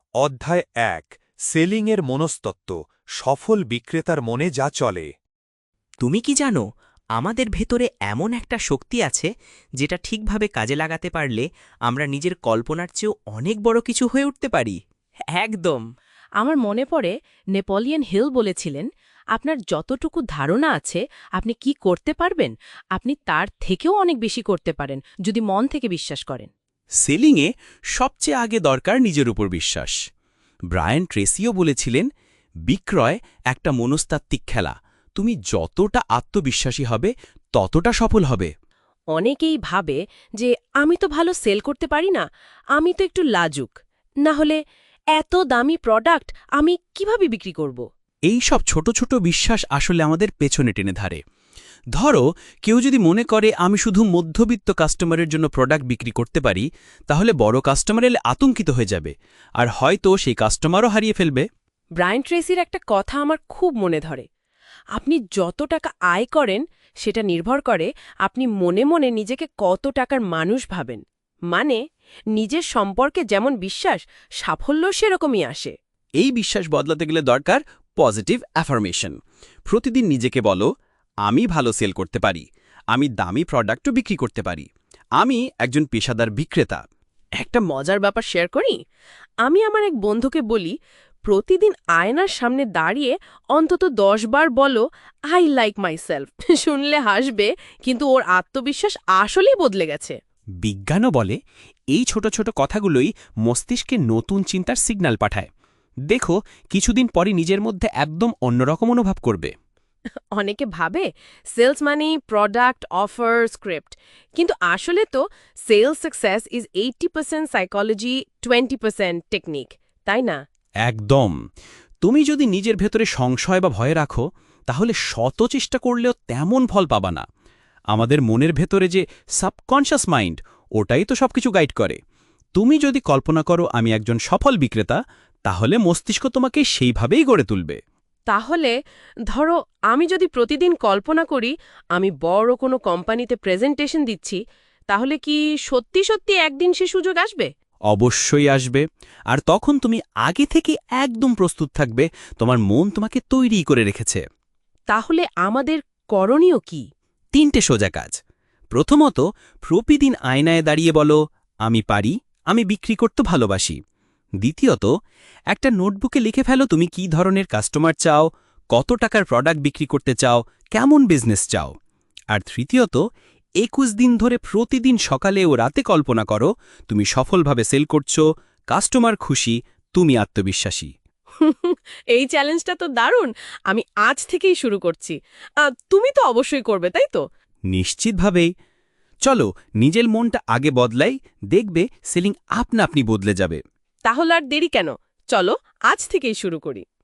অধ্যায় ১ সেলিংয়ের মনস্তত্ত্ব সফল বিক্রেতার মনে যা চলে। তুমি কি জানো আমাদের ভেতরে এমন একটা শক্তি আছে যেটা ঠিকভাবে কাজে লাগাতে পারলে আমরা নিজের কল্পনার চেয়েও অনেক বড় কিছু হয়ে উঠতে পারি। একদম। আমার মনে পড়ে নেপোলিয়ন হিল বলেছিলেন, আপনার যতটুকু ধারণা আছে আপনি কি করতে পারবেন, আপনি তার থেকেও অনেক বেশি করতে পারেন যদি মন থেকে বিশ্বাস করেন। সেলিংয়ে সবচেয়ে আগে দরকার নিজের উপর বিশ্বাস। ব্রায়ান ট্রেসিও বলেছিলেন, বিক্রয় একটা মনস্তাত্ত্বিক খেলা, তুমি যতটা আত্মবিশ্বাসী হবে ততটা সফল হবে। অনেকেই ভাবে যে আমি তো ভালো সেল করতে পারি না, আমি তো একটু লাজুক, না হলে এত দামি প্রোডাক্ট আমি কিভাবে বিক্রি করব। এই সব ছোট ছোট বিশ্বাস আসলে আমাদের পেছনে টেনে ধারে। ধরো কেউ যদি মনে করে আমি শুধু মধ্যবিত্ত কাস্টমারের জন্য প্রোডাক্ট বিক্রি করতে পারি, তাহলে বড় কাস্টমার এলে আতঙ্কিত হয়ে যাবে, আর হয়তো সেই কাস্টমারও হারিয়ে ফেলবে। ব্রায়ান ট্রেসির একটা কথা আমার খুব মনে ধরে, আপনি যত টাকা আয় করেন সেটা নির্ভর করে আপনি মনে মনে নিজেকে কত টাকার মানুষ ভাবেন। মানে নিজের সম্পর্কে যেমন বিশ্বাস, সাফল্য সেরকমই আসে। এই বিশ্বাস বদলাতে গেলে দরকার পজিটিভ অ্যাফার্মেশন। প্রতিদিন নিজেকে বলো, আমি ভালো সেল করতে পারি, আমি দামি প্রোডাক্টও বিক্রি করতে পারি, আমি একজন পেশাদার বিক্রেতা। একটা মজার ব্যাপার শেয়ার করি, আমি আমার এক বন্ধুকে বলি, প্রতিদিন আয়নার সামনে দাঁড়িয়ে অন্তত 10 বার বলো আই লাইক মাইসেলফ। শুনলে হাসবে, কিন্তু ওর আত্মবিশ্বাস আসলেই বদলে গেছে। বিজ্ঞানও বলে এই ছোট ছোট কথাগুলোই মস্তিষ্কে নতুন চিন্তার সিগন্যাল পাঠায়। দেখো, কিছুদিন পরে নিজের মধ্যে একদম অন্যরকম অনুভব করবে। অনেকে ভাবে সেলস মানে প্রোডাক্ট, অফার, স্ক্রিপ্ট, কিন্তু আসলে তো sales success is 80% psychology, 20% technique, তাই না? একদম। তুমি যদি নিজের ভেতরে সংশয় বা ভয় রাখো, তাহলে শত চেষ্টা করলেও তেমন ফল পাবা না। আমাদের মনের ভেতরে যে সাবকনশাস মাইন্ড, ওটাই তো সবকিছু গাইড করে। তুমি যদি কল্পনা করো আমি একজন সফল বিক্রেতা, তাহলে মস্তিষ্ক তোমাকে সেইভাবেই গড়ে তুলবে। তাহলে ধরো আমি যদি প্রতিদিন কল্পনা করি আমি বড় কোনো কোম্পানিতে প্রেজেন্টেশন দিচ্ছি, তাহলে কি সত্যি সত্যি একদিন সে সুযোগ আসবে? অবশ্যই আসবে। আর তখন তুমি আগে থেকে একদম প্রস্তুত থাকবে, তোমার মন তোমাকে তৈরি করে রেখেছে। তাহলে আমাদের করণীয় কি? 3টে সোজা কাজ। প্রথমত, প্রতিদিন আয়নায় দাঁড়িয়ে বলো, আমি পারি, আমি বিক্রি করতে ভালোবাসি। দ্বিতীয়ত, একটা নোটবুকে লিখে ফেলো তুমি কী ধরনের কাস্টমার চাও, কত টাকার প্রোডাক্ট বিক্রি করতে চাও, কেমন বিজনেস চাও। আর তৃতীয়ত, 21 দিন ধরে প্রতিদিন সকালে ও রাতে কল্পনা করো তুমি সফলভাবে সেল করছো, কাস্টমার খুশি, তুমি আত্মবিশ্বাসী। এই চ্যালেঞ্জটা তো দারুণ, আমি আজ থেকেই শুরু করছি। তুমি তো অবশ্যই করবে, তাই তো? নিশ্চিতভাবেই। চলো নিজের মনটা আগে বদলাই, দেখবে সেলিং আপনা আপনি বদলে যাবে। তাহলে আর দেরি কেন, চলো আজ থেকেই শুরু করি।